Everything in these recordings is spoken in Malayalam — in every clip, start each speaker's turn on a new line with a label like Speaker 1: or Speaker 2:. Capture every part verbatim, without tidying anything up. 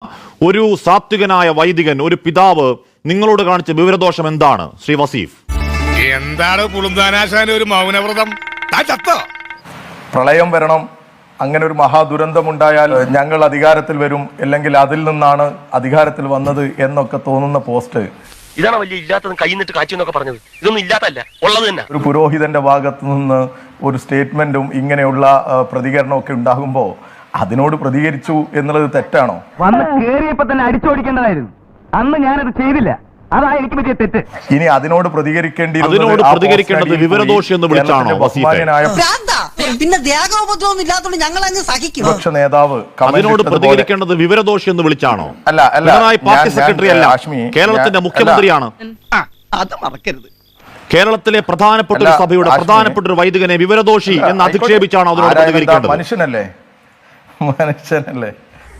Speaker 1: ഒരു സാത്വികനായ വൈദികൻ, ഒരു പിതാവ് നിങ്ങളോട് കാണിച്ച വിവരദോഷം എന്താണ് ശ്രീ വസീഫ്?
Speaker 2: എന്താണ് പുളുന്താനാശാന ഒരു മൗനവ്രതം?
Speaker 3: പ്രളയം വരണം, അങ്ങനെ ഒരു മഹാദുരന്തമുണ്ടായാൽ ഞങ്ങൾ അധികാരത്തിൽ വരും, അല്ലെങ്കിൽ അതിൽ നിന്നാണ് അധികാരത്തിൽ വന്നത് എന്നൊക്കെ തോന്നുന്ന പോസ്റ്റ്
Speaker 4: ഇതാണ് വലിയ ഇല്ലാത്തത് കൈ നിന്നിട്ട് കാച്ചു എന്നൊക്കെ പറഞ്ഞത്. ഇതൊന്നും ഇല്ലാത്തല്ല, ഉള്ളത് തന്നെ.
Speaker 3: ഒരു പുരോഹിതന്റെ ഭാഗത്തു നിന്ന് ഒരു സ്റ്റേറ്റ്മെന്റും ഇങ്ങനെയുള്ള പ്രതികരണമൊക്കെ ഉണ്ടാകുമ്പോൾ അതിനോട് പ്രതികരിച്ചു എന്നുള്ളത് തെറ്റാണോ?
Speaker 5: വന്ന് കേറിയപ്പോ തന്നെ അടിച്ചോടിക്കേണ്ടതായിരുന്നു. അന്ന് ഞാനത് ചെയ്തില്ല, അതാ എനിക്ക് പറ്റിയ തെറ്റ്.
Speaker 3: ഇനി അതിനോട് പ്രതികരിക്കേണ്ടി
Speaker 1: അതിനോട് പ്രതികരിക്കേണ്ടത് വിവരദോഷി എന്ന് വിളിച്ചാണോ വസീഫെ?
Speaker 6: പിന്നെ ത്യാഗോപദ്രവം ഇല്ലാത്തതുകൊണ്ട് ഞങ്ങൾ അങ്ങ് സഹിക്കും.
Speaker 3: വിപക്ഷ നേതാവ്
Speaker 1: അതിനോട് പ്രതികരിക്കേണ്ടത് വിവരദോഷി എന്ന് വിളിച്ചാണോ?
Speaker 3: അല്ല അല്ല
Speaker 1: പിണറായി പാർട്ടി സെക്രട്ടറി അല്ല, കേരളത്തിന്റെ മുഖ്യമന്ത്രിയാണ്.
Speaker 6: അത് മറക്കരുത്.
Speaker 1: കേരളത്തിലെ പ്രധാനപ്പെട്ട ഒരു സഭയുടെ പ്രധാനപ്പെട്ട ഒരു വൈദികനെ വിവരദോഷി എന്ന് അധിക്ഷേപിച്ചാണോ അതിനോട് പ്രതികരിക്കേണ്ടത്?
Speaker 3: മനുഷ്യനല്ലേ മനുഷ്യനല്ലേ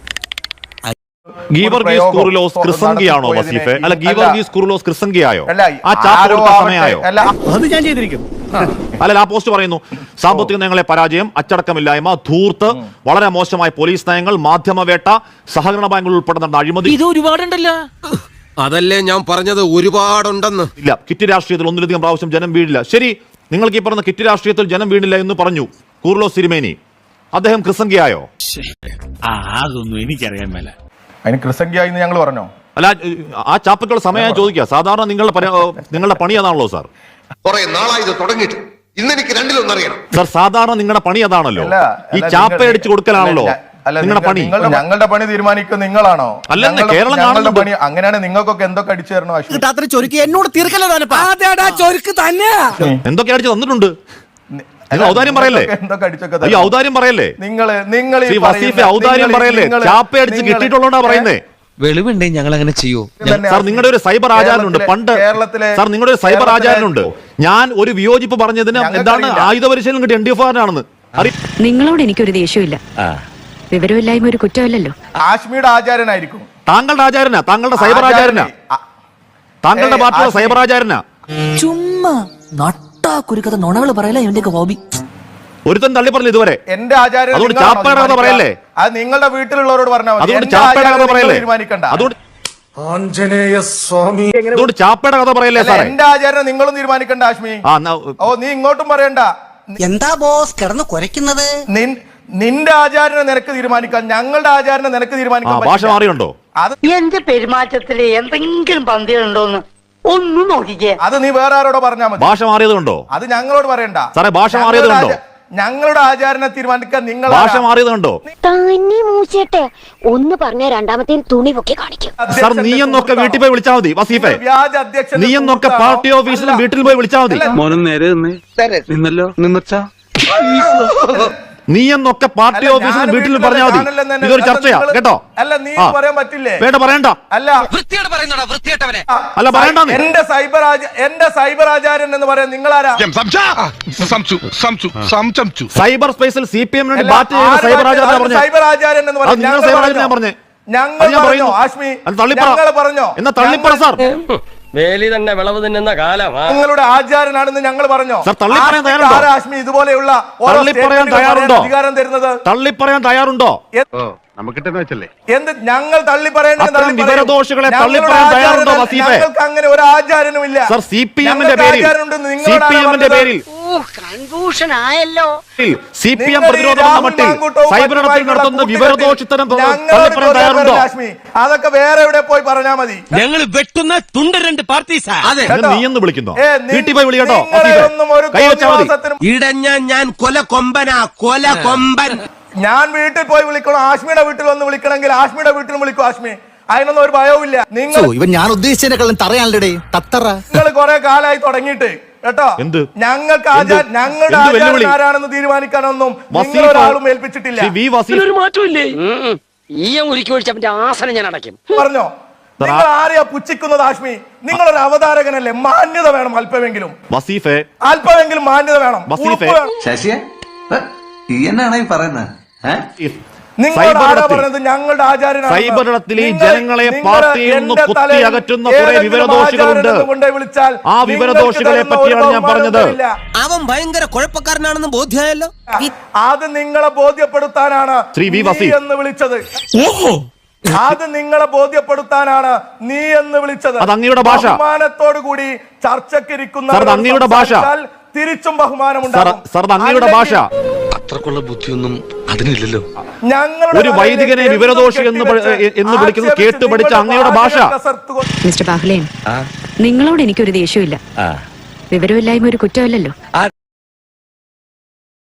Speaker 1: ഗീവർഗീസ് കുറിലോസ് ക്രിസംഗിയാണോ വസീഫെ? അല്ല, ഗീവർഗീസ് കുറിലോസ് ക്രിസംഗിയായോ? ആ ചാപ്പ് കൊടുത്ത സമയമായോ?
Speaker 5: അത് ഞാൻ ചെയ്തിരിക്കും.
Speaker 1: അല്ല, ആ പോസ്റ്റ് പറയുന്നു സാമ്പത്തിക നയങ്ങളെ പരാജയം, അച്ചടക്കമില്ലായ്മ, ധൂർത്ത്, വളരെ മോശമായ പോലീസ് നയങ്ങൾ, മാധ്യമവേട്ട, സഹകരണ ബാങ്കുകൾ ഉൾപ്പെടെ നടന്ന അഴിമതി.
Speaker 7: ഇത് ഒരുപാടുണ്ടല്ലോ. അതല്ലേ ഞാൻ പറഞ്ഞത്, ഒരുപാടുണ്ടെന്ന്.
Speaker 1: ഇല്ല, കിറ്റ് രാഷ്ട്രീയത്തിൽ ഒന്നിലധികം പ്രാവശ്യം ജനം വീഴില്ല. ശരി, നിങ്ങൾക്ക് ഈ പറഞ്ഞ കിറ്റ് രാഷ്ട്രീയത്തിൽ ജനം വീണില്ല എന്ന് പറഞ്ഞു കുറിലോസ് തിരുമേനി. അദ്ദേഹം ക്രിസംഗിയായോ?
Speaker 8: അതൊന്നും എനിക്കറിയാൻ മേല.
Speaker 3: അതിന് ക്രിസംഗിയായി ഞങ്ങൾ പറഞ്ഞോ?
Speaker 1: അല്ല, ആ ചാപ്പക്കുള്ള സമയം ചോദിക്കുക. സാധാരണ നിങ്ങളുടെ നിങ്ങളുടെ പണി അതാണല്ലോ സാർ.
Speaker 4: കുറെ നാളായി ഇത് തുടങ്ങിയിട്ട് ഇന്നെനിക്ക് രണ്ടിലൊന്നറിയണം
Speaker 1: സാർ. സാധാരണ നിങ്ങളുടെ പണി അതാണല്ലോ, ഈ ചാപ്പ അടിച്ചു കൊടുക്കലാണല്ലോ നിങ്ങളുടെ പണി.
Speaker 3: ഞങ്ങളുടെ പണി തീരുമാനിക്കുന്നത് നിങ്ങളാണോ?
Speaker 1: അല്ലെന്ന് കേരളം കാണുന്ന
Speaker 3: പണി അങ്ങനെയാണ്. നിങ്ങൾക്കൊക്കെ എന്തൊക്കെ അടിച്ചു തരണോ?
Speaker 5: എന്നോട് തീർക്കലോ തന്നെ
Speaker 1: എന്തൊക്കെ അടിച്ചു തന്നിട്ടുണ്ട്? ഔദാര്യം പറയല്ലേ? ഈ ഔദാര്യം പറയല്ലേ
Speaker 3: നിങ്ങൾ നിങ്ങൾ
Speaker 1: വസീഫെ? ഔദാര്യം പറയല്ലേ? ചാപ്പ അടിച്ച് കിട്ടിയിട്ടുള്ളതാ പറയുന്നേ.
Speaker 7: വെളിവുണ്ടെങ്കിൽ ഞങ്ങൾ അങ്ങനെ ചെയ്യൂ
Speaker 1: സാർ. നിങ്ങളുടെ ഒരു സൈബർ ആചാരനുണ്ട് പണ്ട് സാർ, നിങ്ങളുടെ ഒരു സൈബർ ആചാരനുണ്ട്. ഞാൻ ഒരു വിയോജിപ്പ് പറഞ്ഞതിന് എന്താണ് ആയുധ പരിശീലനം കിട്ടിയ എൻ ഡി എഫ് ആണെന്ന്.
Speaker 9: നിങ്ങളോട് എനിക്കൊരു ദേഷ്യമില്ല, വിവരമില്ലായ്മ ഒരു കുറ്റമല്ലല്ലോ.
Speaker 3: ആശ്മിയുടെ ആചാരനായിരിക്കും.
Speaker 1: താങ്കളുടെ ആചാരനാ, താങ്കളുടെ സൈബർ ആചാരനാ, താങ്കളുടെ പാർട്ടിയുടെ സൈബർ ആചാരനാ.
Speaker 6: ചുമ്മാ കുരുക്കഥ നുണകൾ പറയല ഇവന്റെ ഹോബി.
Speaker 1: ഒരുത്തൻ തള്ളി പറഞ്ഞു ഇതുവരെ.
Speaker 3: എന്റെ ആചാരം
Speaker 1: അതുകൊണ്ട് ചാപ്പയുടെ കഥ പറയല്ലേ?
Speaker 3: അത് നിങ്ങളുടെ വീട്ടിലുള്ളവരോട് പറഞ്ഞാൽ മതി.
Speaker 1: അതുകൊണ്ട് ചാപ്പയുടെ കഥ പറയല്ലേ? അതുകൊണ്ട് അതുകൊണ്ട് ചാപ്പയുടെ കഥ പറയല്ലേ സാറേ?
Speaker 3: എന്റെ ആചാരം നിങ്ങളും തീരുമാനിക്കണ്ട ആശ്മി. ഓ, നീ ഇങ്ങോട്ടും പറയണ്ട.
Speaker 6: എന്താ ബോസ് കിടന്ന് കുരയ്ക്കുന്നത്?
Speaker 3: നിന്റെ ആചാരനെ നിനക്ക് തീരുമാനിക്കാം, ഞങ്ങളുടെ ആചാരനെ നിനക്ക് തീരുമാനിക്കാം.
Speaker 1: ഭാഷ മാറിയുണ്ടോ?
Speaker 6: എന്റെ പെരുമാറ്റത്തില് എന്തെങ്കിലും പന്തികളുണ്ടോന്ന് ഒന്നും നോക്കിക്കേ.
Speaker 3: അത് നീ വേറെ ആരോടോ പറഞ്ഞാൽ മതി.
Speaker 1: ഭാഷ മാറിയതുണ്ടോ?
Speaker 3: അത് ഞങ്ങളോട് പറയണ്ട
Speaker 1: സാറേ. ഭാഷ മാറിയതുണ്ടോ?
Speaker 3: ഞങ്ങളുടെ ആചാരനെ തീരുമാനിക്കാൻ നിങ്ങൾ.
Speaker 1: ഭാഷ മാറിയതുണ്ടോ?
Speaker 9: തന്നെ മൂച്ചേട്ടെ ഒന്ന് പറഞ്ഞ രണ്ടാമത്തെ തുണി പൊക്കി കാണിക്കും.
Speaker 1: സാർ, നീ എന്നൊക്കെ വീട്ടിൽ പോയി വിളിച്ചാൽ മതി വസീഫെ. നീ എന്നൊക്കെ പാർട്ടി ഓഫീസിലും വീട്ടിൽ പോയി വിളിച്ചാൽ മതി.
Speaker 5: മോനും നേരെ നിന്നല്ലോ നിന്നച്ചാ.
Speaker 1: നീ എന്നൊക്കെ പാർട്ടി ഓഫീസിലും വീട്ടിൽ പറഞ്ഞാൽ മതി. ഇതൊരു ചർച്ചയാ കേട്ടോ.
Speaker 3: അല്ല, നീ പറയാൻ പറ്റില്ലേ?
Speaker 1: വേണ്ട, പറയണ്ട.
Speaker 3: അല്ല,
Speaker 1: അല്ല പറയണ്ട.
Speaker 3: എന്റെ സൈബർ എന്റെ സൈബർ ആചാര്യൻ എന്ന് പറയാൻ നിങ്ങളാരാ?
Speaker 1: സൈബർ സ്പേസിൽ സി പി എം സൈബർ ആചാര്യൻ
Speaker 3: സൈബർ ആചാര്യൻ എന്ന് പറയാൻ
Speaker 1: ഞാൻ പറഞ്ഞേ.
Speaker 3: ഞങ്ങൾ പറഞ്ഞോ ആശ്മി? ഞങ്ങൾ പറഞ്ഞോ?
Speaker 1: എന്നാ തള്ളിപ്പറ സാർ.
Speaker 4: വേലി തന്നെ വിളവ് തിന്നുന്ന കാലം.
Speaker 3: നിങ്ങളുടെ ആചാരനാണെന്ന് ഞങ്ങൾ പറഞ്ഞോ?
Speaker 1: തള്ളിപ്പറയാൻ തയ്യാറുണ്ടോ?
Speaker 3: ആശ്മി ഇതുപോലെയുള്ള
Speaker 1: തള്ളിപ്പറയാൻ തയ്യാറുണ്ടോ?
Speaker 3: അധികാരം തരുന്നത്
Speaker 1: തള്ളിപ്പറയാൻ തയ്യാറുണ്ടോ?
Speaker 3: എന്ത് ഞങ്ങൾ തള്ളി പറയേണ്ടത്?
Speaker 1: വിവരദോഷികളെ തള്ളിപ്പറയാൻ തയ്യാറുണ്ടോ വസീഫെ?
Speaker 3: ഞങ്ങൾക്ക് അങ്ങനെ ഒരു ആചാരനുമില്ല
Speaker 1: സർ. സി പി എമ്മിന്റെ പേരിൽ സി പി എമ്മിന്റെ പേരിൽ
Speaker 6: കൺഫ്യൂഷൻ ആയല്ലോ.
Speaker 1: സി പി എം പ്രതിരോധം എന്ന മട്ടിൽ സൈബറിടത്തിൽ നടത്തുന്ന വിവരദോഷിത്തരം തള്ളിപ്പറയാൻ തയ്യാറുണ്ടോ?
Speaker 3: അതൊക്കെ വേറെ എവിടെ പോയി പറഞ്ഞാൽ മതി.
Speaker 7: ഞങ്ങൾ വെട്ടുന്ന തുണ്ട രണ്ട് പാർട്ടീസാ.
Speaker 1: നീ എന്ന് വിളിക്കുന്നോ? വീട്ടിൽ പോയി വിളി കേട്ടോ.
Speaker 7: ഇടഞ്ഞ ഞാൻ കൊല കൊമ്പനാ, കൊല കൊമ്പൻ.
Speaker 3: ഞാൻ വീട്ടിൽ പോയി വിളിക്കണം. ആശ്മിയുടെ വീട്ടിൽ വന്ന് വിളിക്കണമെങ്കിൽ ആശ്മിയുടെ വീട്ടിൽ വിളിക്കും. ആശ്മി, അതിനൊന്നും ഒരു ഭയവും ഇല്ല. നിങ്ങൾ
Speaker 5: ഇവൻ ഞാൻ ഉദ്ദേശിച്ചതിനെക്കാളും തറയാണല്ലേ തത്തറ.
Speaker 3: നിങ്ങൾ കുറെ കാലമായി തുടങ്ങിയിട്ട് കേട്ടോ. ഞങ്ങൾക്ക് ഞങ്ങളുടെ ആചാരം ആരാണെന്ന് തീരുമാനിക്കാനൊന്നും നിങ്ങളൊരാളും ഏൽപ്പിച്ചിട്ടില്ല.
Speaker 4: ഒരു മാറ്റമില്ലേ? ഈയം ഉരുക്കി ഒഴിച്ചവന്റെ ആസനം ഞാൻ അടയ്ക്കും.
Speaker 3: പറഞ്ഞോ? നിങ്ങൾ ആരെയാ പുച്ഛിക്കുന്നത് ആശ്മി? നിങ്ങളൊരു അവതാരകനല്ലേ? മാന്യത വേണം അല്പമെങ്കിലും.
Speaker 1: വസീഫെ,
Speaker 3: അല്പമെങ്കിലും മാന്യത വേണം.
Speaker 10: ശശിയെ എന്നാണ് ഈ പറയുന്നത്?
Speaker 1: സൈബറിടത്തിൽ ഈ ജനങ്ങളെ പാർട്ടിയിൽ നിന്ന് കുത്തി അകറ്റുന്ന കുറെ വിവരദോഷികളുണ്ട്. ആ വിവരദോഷികളെ പറ്റിയാണ് ഞാൻ പറഞ്ഞത്.
Speaker 7: അവൻ ഭയങ്കര കുഴപ്പക്കാരനാണെന്ന് ബോധ്യമായല്ലോ.
Speaker 3: അത് നിങ്ങളെ ബോധ്യപ്പെടുത്താനാണ്
Speaker 1: ശ്രീ വി വസീഫ്
Speaker 3: എന്ന് വിളിച്ചത്.
Speaker 8: ഓഹോ,
Speaker 3: അത് നിങ്ങളെ ബോധ്യപ്പെടുത്താനാണ് നീ എന്ന് വിളിച്ചത്.
Speaker 1: അത് അങ്ങയുടെ ഭാഷ.
Speaker 3: ബഹുമാനത്തോടു കൂടി ചർച്ചക്കിരിക്കുന്ന
Speaker 1: സർ, അത് അങ്ങയുടെ ഭാഷ.
Speaker 3: തിരിച്ചും ബഹുമാനം
Speaker 1: സർ, സർ, അത് അങ്ങയുടെ ഭാഷ.
Speaker 7: അത്രക്കുള്ള ബുദ്ധിയൊന്നും അതിനില്ലല്ലോ.
Speaker 1: ഒരു വൈദികനെ വിവരദോഷി എന്ന് പ- എന്ന് വിളിക്കുന്നത് കേട്ട് പഠിച്ച അങ്ങയുടെ ഭാഷ.
Speaker 9: മിസ്റ്റർ ബാഹുലേൻ, നിങ്ങളോട് എനിക്കൊരു ദേഷ്യമില്ല. വിവരമില്ലായ്മ ഒരു കുറ്റമല്ലല്ലോ.